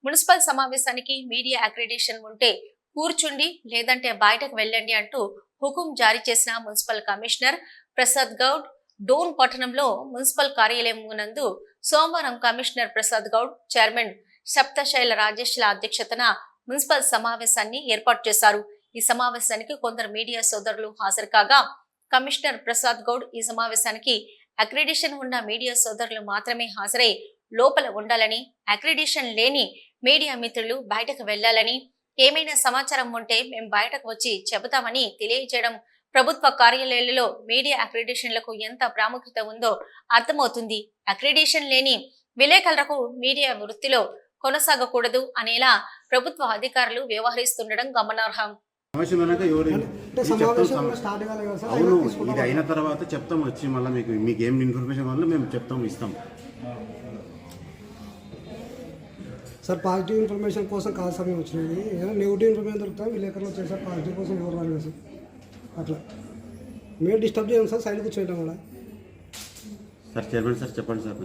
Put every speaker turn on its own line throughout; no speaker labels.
Municipal సమావేశానికి media accreditation ఉంటే కూర్చుండి లేదంటే బయటకు వెళ్ళండి అంటూ హుకుం జారీ చేసిన మున్సిపల్ కమిషనర్ ప్రసాద్ గౌడ్ డోన్ పట్టణంలో మున్సిపల్ కార్యాలయం నందు సోమవారం కమిషనర్ ప్రసాద్ గౌడ్ చైర్మన్ సప్తశైల రాజేష్ల అధ్యక్షతన మున్సిపల్ సమావేశాన్ని ఏర్పాటు చేశారు. ఈ సమావేశానికి కొందరు మీడియా సోదరులు హాజరు కాగా కమిషనర్ ప్రసాద్ గౌడ్ ఈ సమావేశానికి అక్రిడిటేషన్ ఉన్న మీడియా సోదరులు మాత్రమే హాజరై లోపల ఉండాలని, అక్రిడిటేషన్ లేని మీడియా మిత్రులు బయటకు వెళ్లాలని, ఏమైనా సమాచారం ఉంటే మేము బయటకు వచ్చి చెబుతామని తెలియజేయడం ప్రభుత్వ కార్యాలయాలలో మీడియా అక్రిడిటేషన్లకు ఎంత ప్రాముఖ్యత ఉందో అర్థమవుతుంది. అక్రిడిటేషన్ లేని విలేకరులకు మీడియా వృత్తిలో కొనసాగకూడదు అనేలా ప్రభుత్వ అధికారులు వ్యవహరిస్తుండడం గమనార్హం.
అవును, ఇది అయిన తర్వాత చెప్తాం వచ్చి మళ్ళీ మీకు ఏం ఇన్ఫర్మేషన్ వల్ల మేము చెప్తాం ఇస్తాం.
సార్ పాజిటివ్ ఇన్ఫర్మేషన్ కోసం కాదు సార్ మేము వచ్చినది. ఏదైనా నెగిటివ్ ఇన్ఫర్మేషన్ దొరుకుతాం విలేకరులు వచ్చాయి సార్. పాజిటివ్ కోసం ఎవరు రాలేదు సార్. అట్లా మేము డిస్టర్బ్ చేయం సార్, సైడ్ కూర్చోయటం కూడా.
సార్ చైర్మన్ సార్ చెప్పండి సార్.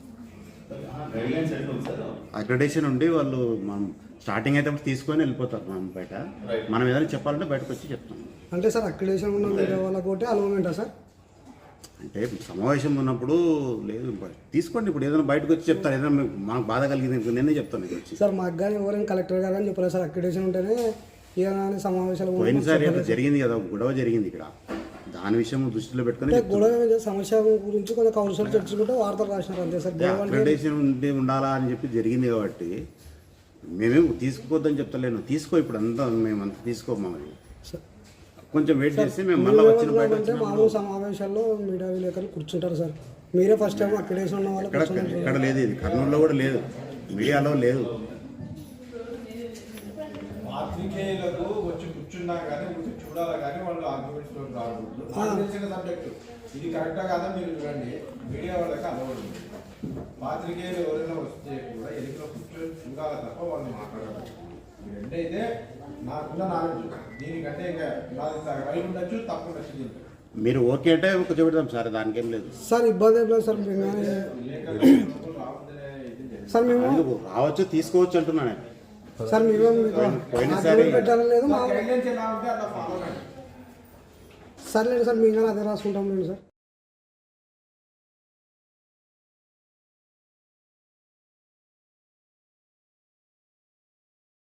అక్రిడిటేషన్ ఉండి వాళ్ళు మనం స్టార్టింగ్ అయితే తీసుకొని వెళ్ళిపోతారు. మనం బయట మనం ఏదైనా చెప్పాలంటే బయటకు వచ్చి చెప్తాం.
అంటే సార్ అక్రిడిటేషన్ ఉన్న మీడియా వాళ్ళకి ఒకటి అలవమెంటా సార్?
అంటే సమావేశం ఉన్నప్పుడు లేదు తీసుకోండి. ఇప్పుడు ఏదైనా బయటకు వచ్చి చెప్తారు, ఏదైనా మాకు బాధ కలిగింది నేనే చెప్తాను వచ్చి.
సార్ మాకు కానీ ఎవరైనా కలెక్టర్ గారు అని చెప్పలేదు సార్. అక్రిడిటేషన్ ఉంటేనే ఏదైనా సమావేశాలు
పోయినసారి జరిగింది కదా, గొడవ జరిగింది ఇక్కడ. దాని విషయం దృష్టిలో పెట్టుకుని
గొడవ సమస్య గురించి కొంచెం కౌన్సిల్ చర్చించుకుంటే వార్తలు రాసినారు అంతే సార్.
అక్రిడిటేషన్ ఉండాలా అని చెప్పి జరిగింది కాబట్టి మేమేం తీసుకోవద్దని చెప్తలేను. తీసుకో ఇప్పుడు అంతా మేమంతా తీసుకోమని కొంచెం వెయిట్ చేసి మేము మళ్ళీ వచ్చిన
బయట మామూలు సమావేశాల్లో మీడియా విలేకరులు కూర్చుంటారు సార్. మీరే ఫస్ట్ టైం అక్రిడిటేషన్ ఉన్న వాళ్ళు
ఇక్కడ లేదు, ఇది కర్నూలులో కూడా లేదు, మీడియాలో లేదు.
పాత్రికేయులకు వచ్చి కూర్చున్నా కానీ చూడాలి కానీ వాళ్ళు ఆర్గ్యుమెంట్స్ రాకూడదు. తెలిసిన సబ్జెక్టు ఇది కరెక్టా కాదా మీరు చూడండి. మీడియా వాళ్ళకి అలవాటు. పాత్రికేయులు ఎవరైనా వస్తే కూడా ఎన్నికల కూర్చొని చూడాలి తప్ప వాళ్ళు మాట్లాడాలి. ఈ రెండైతే నాకున్న నాలెడ్జ్. దీనికంటే ఇంకా రైట్ ఉండొచ్చు, తప్పు ఉండొచ్చు.
మీరు ఓకే అంటే కూర్చోబెడతాం సార్, దానికేం లేదు
సార్. ఇబ్బంది ఏం లేదు సార్. సార్ మేము
రావచ్చు, తీసుకోవచ్చు అంటున్నాను
సార్.
పోయినసారి
పెట్టాలని లేదు సర్లేదు సార్. మేము కానీ అదే రాసుకుంటాం లేదు సార్.